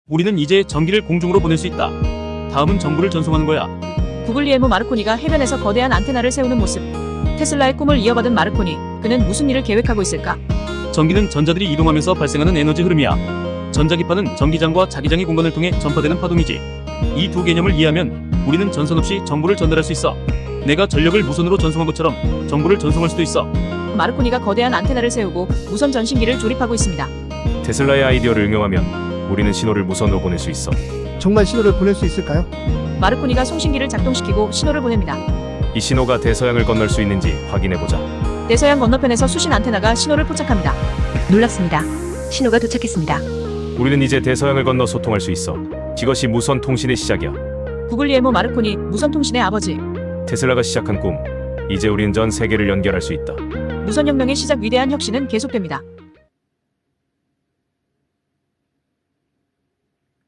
우리는 이제 전기를 공중으로 보낼 수 있다. 다음은 정보를 전송하는 거야. 구글리엘모 마르코니가 해변에서 거대한 안테나를 세우는 모습. 테슬라의 꿈을 이어받은 마르코니, 그는 무슨 일을 계획하고 있을까? 전기는 전자들이 이동하면서 발생하는 에너지 흐름이야. 전자기파는 전기장과 자기장의 공간을 통해 전파되는 파동이지. 이 두 개념을 이해하면 우리는 전선 없이 정보를 전달할 수 있어. 내가 전력을 무선으로 전송한 것처럼 정보를 전송할 수도 있어. 마르코니가 거대한 안테나를 세우고 무선 전신기를 조립하고 있습니다. 테슬라의 아이디어를 응용하면 우리는 신호를 무선으로 보낼 수 있어. 정말 신호를 보낼 수 있을까요? 마르코니가 송신기를 작동시키고 신호를 보냅니다. 이 신호가 대서양을 건널 수 있는지 확인해보자. 대서양 건너편에서 수신 안테나가 신호를 포착합니다. 놀랍습니다. 신호가 도착했습니다. 우리는 이제 대서양을 건너 소통할 수 있어. 이것이 무선 통신의 시작이야. 구글리엘모 마르코니, 무선 통신의 아버지. 테슬라가 시작한 꿈. 이제 우린 전 세계를 연결할 수 있다. 무선혁명의 시작, 위대한 혁신은 계속됩니다.